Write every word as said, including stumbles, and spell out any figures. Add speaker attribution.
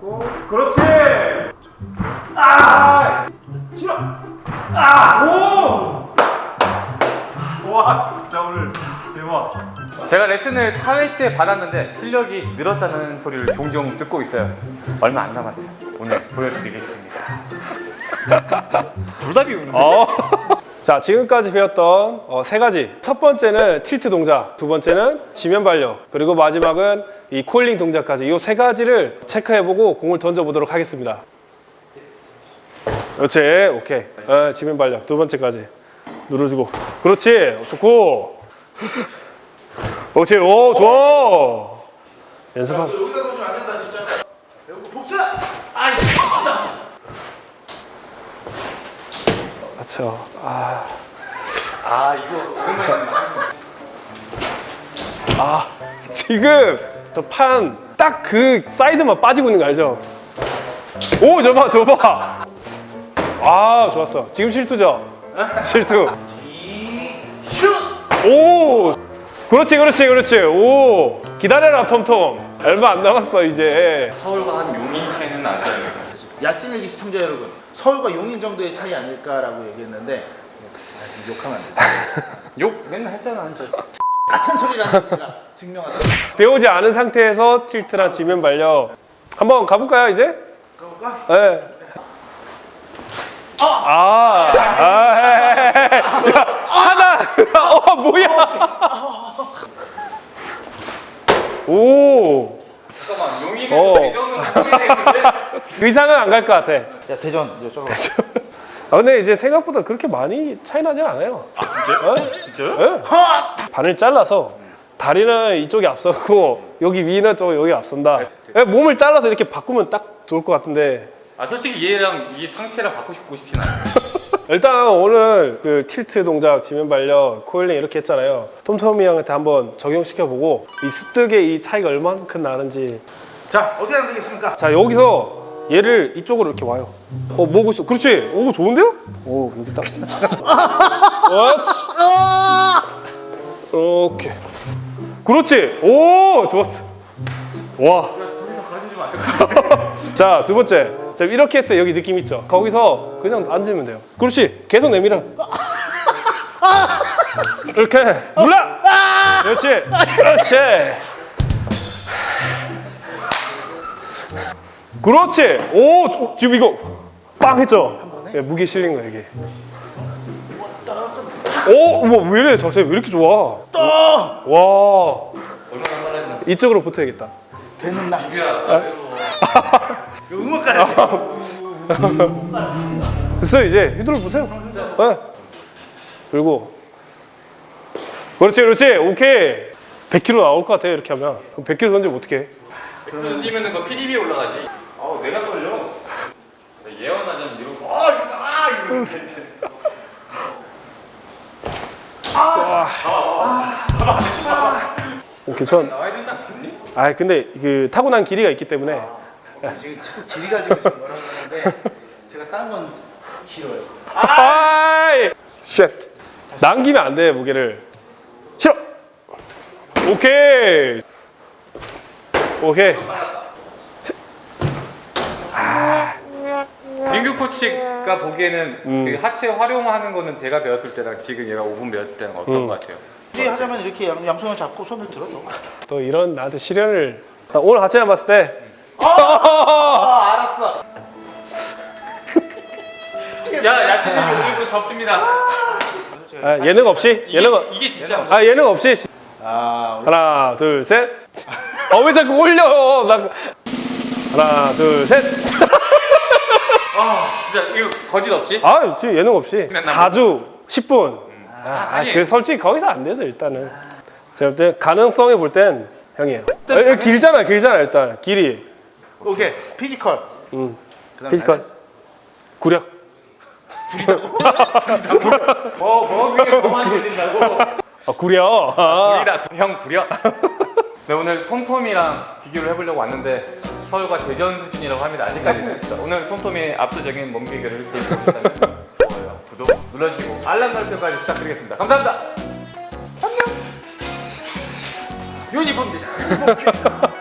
Speaker 1: 잡고. 그렇지. 아, 싫어. 아, 오. 와, 진짜 오늘 대박.
Speaker 2: 제가 레슨을 사 회째 받았는데 실력이 늘었다는 소리를 종종 듣고 있어요. 얼마 안 남았어요. 오늘 보여드리겠습니다. 둘 다 비우는데?
Speaker 3: 어. 자, 지금까지 배웠던 어, 세 가지. 첫 번째는 틸트 동작, 두 번째는 지면 발력, 그리고 마지막은 이 코일링 동작까지 이 세 가지를 체크해보고 공을 던져보도록 하겠습니다. 그렇지, 오케이. 어, 지면 발력 두 번째까지 눌러주고. 그렇지, 좋고. 그렇지, 오, 좋아. 연습하고.
Speaker 4: 여기다 던지면 안 된다 진짜. 여기 복수. 아이.
Speaker 3: 그렇죠. 아,
Speaker 2: 아 이거 오랜만에
Speaker 3: 아, 지금 저 판 딱 그 사이드만 빠지고 있는 거 알죠? 오, 저봐, 저봐. 아, 좋았어. 지금 실투죠? 실투.
Speaker 4: 슛.
Speaker 3: 오, 그렇지, 그렇지, 그렇지. 오, 기다려라, 톰톰. 얼마 안 남았어 이제.
Speaker 2: 서울과 한 용인 차이는 나지 않을까.
Speaker 4: 야찐일기 시청자 여러분, 서울과 용인 정도의 차이 아닐까라고 얘기했는데 아, 욕하면 안 되지.
Speaker 2: 욕 맨날 했잖아.
Speaker 4: 같은 소리라는 제가 증명하다.
Speaker 3: 배우지 않은 상태에서 틸트랑 지면 발력 한번 가볼까요 이제?
Speaker 4: 가볼까?
Speaker 3: 네. 아, 아, 헤헤헤헤. 야, 하나, 어, 뭐야? 오,
Speaker 2: 잠깐만 용인은
Speaker 3: 어.
Speaker 2: 대전으로 소개되는데
Speaker 3: 의상은 안 갈 것 같아.
Speaker 4: 야 대전 이쪽으로.
Speaker 3: 아, 근데 이제 생각보다 그렇게 많이 차이 나진 않아요.
Speaker 2: 아 진짜요?
Speaker 3: 네?
Speaker 2: 진짜요?
Speaker 3: 네. 반을 잘라서 다리는 이쪽이 앞서고 여기 위는 좀 여기 앞선다. 네, 몸을 잘라서 이렇게 바꾸면 딱 좋을 것 같은데.
Speaker 2: 아 솔직히 얘랑 이 상체랑 바꾸고 싶진 않아요.
Speaker 3: 일단 오늘 그 틸트 동작, 지면 발력, 코일링 이렇게 했잖아요. 톰톰이 형한테 한번 적용시켜보고 이 습득의 이 차이가 얼만큼 나는지.
Speaker 4: 자 어떻게 하면 되겠습니까?
Speaker 3: 자, 여기서 얘를 이쪽으로 이렇게 와요. 어, 뭐고 있어? 그렇지. 오, 좋은데요? 오, 여기 딱. 그렇지. 이렇게. 그렇지. 오, 좋았어. 와.
Speaker 2: 더 이상 가르쳐주면 안 될 것 같아.
Speaker 3: 자, 두 번째. 자, 이렇게 했을 때 여기 느낌 있죠? 거기서 그냥 앉으면 돼요. 그렇지. 계속 내밀어. 이렇게. 눌러. 그렇지. 그렇지. 그렇지. 오, 지금 이거 빵 했죠? 네, 무게 실린 거야 이게. 오, 우와, 왜 이래? 자세 왜 이렇게 좋아? 와,
Speaker 2: 얼마나 빨라지나.
Speaker 3: 이쪽으로 붙어야겠다.
Speaker 4: 되는 날.
Speaker 2: 이거야. 나 외로워.
Speaker 4: 음악 가야
Speaker 3: 됐어요. 이제 휘두르 보세요. 네. 그리고 그렇지, 그렇지. 오케이. 백 킬로그램 나올 것 같아 이렇게 하면. 그럼 백 킬로그램 던지면 어떡해?
Speaker 2: 그러면 뛰면은 그 피디비에 올라가지. 아우 내가 떨려. 예언하자면 이러고 아 이거 아 이거 괜찮.
Speaker 3: 오, 괜찮.
Speaker 2: 나와야 되지 않겠니?
Speaker 3: 아, 근데 그 타고난 길이가 있기 때문에.
Speaker 4: 지금 참 길이 가지고 지금 뭐라고 하는데 제가 딴 건 길어요.
Speaker 3: 아이, 쉣. 남기면 안 돼, 무게를. 싫어. 오케이. 오케이.
Speaker 2: 민규 코치가 보기에는
Speaker 3: 음.
Speaker 2: 그 하체 활용하는 거는 제가 배웠을 때랑 지금 얘가 오 분 배웠을 때랑 어떤
Speaker 3: 음.
Speaker 2: 것 같아요?
Speaker 4: 굳이 하자면 이렇게 양, 양손을 잡고 손을 들어줘.
Speaker 3: 또 이런 나한테 시련을. 나 오늘 하체만 봤을 때.
Speaker 4: 아 알았어.
Speaker 2: 야 야채님 오늘도 접습니다.
Speaker 3: 아, 예능 없이?
Speaker 2: 이게,
Speaker 3: 예능 없-
Speaker 2: 이게 진짜
Speaker 3: 아, 예능 없이.
Speaker 4: 아
Speaker 3: 하나, 둘, 셋. 어, 왜 자꾸 올려? 나... 하나, 둘, 셋.
Speaker 2: 아 진짜 이거 거짓 없지?
Speaker 3: 아, 지금 예능 없이.
Speaker 2: 그냥 나
Speaker 3: 사 주, 십 분.
Speaker 2: 아,
Speaker 3: 아,
Speaker 2: 아니
Speaker 3: 그 솔직히 거기서 안 되죠, 일단은. 제가 볼 때 가능성에 볼 땐 형이에요. 아, 길잖아, 길잖아, 일단. 길이.
Speaker 4: 오케이 피지컬.
Speaker 3: 음.
Speaker 4: 그다음
Speaker 3: 피지컬. 구력.
Speaker 2: 뭐뭐 위에 뭐만 들린다고?
Speaker 3: 아, 구력. 아.
Speaker 2: 구리다 형 구려. 네 오늘 톰톰이랑 비교를 해보려고 왔는데 서울과 대전 수준이라고 합니다. 아직까지는. 오늘 톰톰의 압도적인 몸 비교를 제시했다면 좋아요, 구독 눌러주시고 알람 설정까지 부탁드리겠습니다. 감사합니다. 안녕. 유니폼 대장. 유니폼